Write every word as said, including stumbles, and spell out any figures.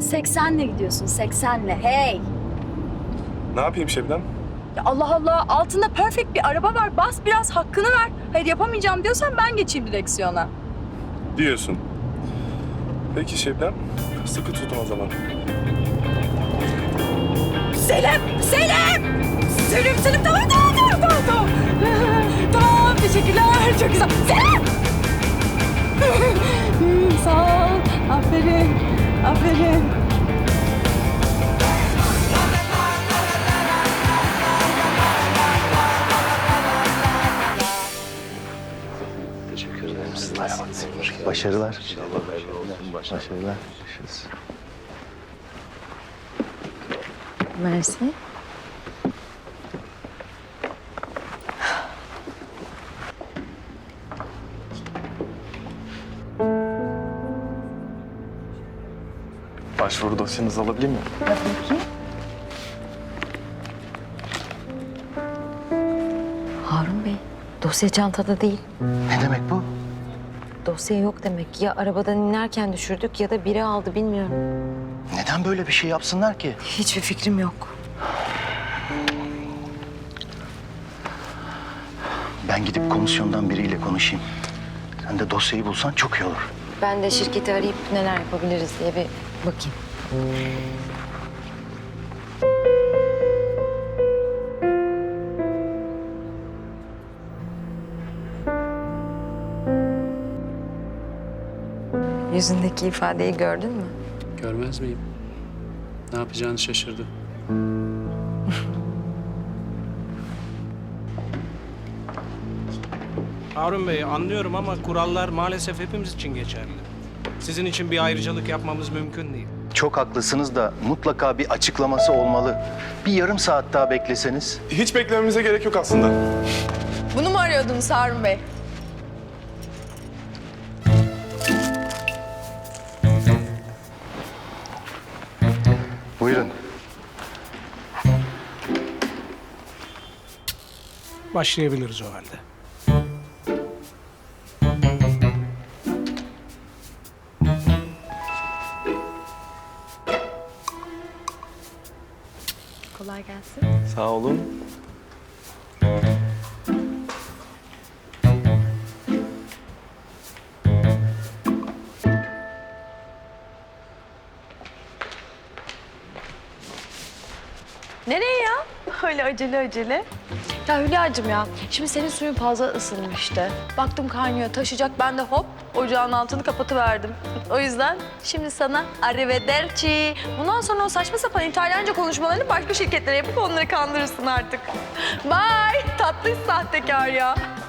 seksenle gidiyorsun, seksenle. Hey! Ne yapayım Şebnem? Ya Allah Allah, altında perfect bir araba var. Bas biraz, hakkını ver. Hayır yapamayacağım diyorsan ben geçeyim direksiyona. Diyorsun. Peki Şebnem, sıkı tutun o zaman. Selim! Selim! Selim, Selim tamam tamam tamam tamam tamam. Tamam, teşekkürler. Çok güzel. Selim! Sağ ol. Aferin. Aferin. Teşekkür ederim. Siz nasılsınız? Başarılar. Başarılar. Görüşürüz. Mersi. Başvuru dosyanızı alabilir miyim? Harun Bey, dosya çantada değil. Ne demek bu? Dosya yok demek. Ya arabadan inerken düşürdük ya da biri aldı bilmiyorum. Neden böyle bir şey yapsınlar ki? Hiçbir fikrim yok. Ben gidip komisyondan biriyle konuşayım. Sen de dosyayı bulsan çok iyi olur. Ben de şirketi arayıp neler yapabiliriz diye bir bakayım. Yüzündeki ifadeyi gördün mü? Görmez miyim? Ne yapacağını şaşırdı. Harun Bey, anlıyorum ama kurallar maalesef hepimiz için geçerli. Sizin için bir ayrıcalık yapmamız mümkün değil. Çok haklısınız da mutlaka bir açıklaması olmalı. Bir yarım saat daha bekleseniz. Hiç beklememize gerek yok aslında. Bunu mu arıyordunuz Harun Bey? Buyurun. Başlayabiliriz o halde. Kolay gelsin. Sağ olun. Nereye ya? Öyle acele acele. Ya Hülya'cığım ya, şimdi senin suyun fazla ısınmıştı. Baktım kaynıyor, taşıyacak. Ben de hop ocağın altını kapatıverdim. O yüzden şimdi sana arrivederci. Bundan sonra o saçma sapan İtalyanca konuşmalarını başka şirketlere yapıp onları kandırırsın artık. Bye, tatlış sahtekar ya.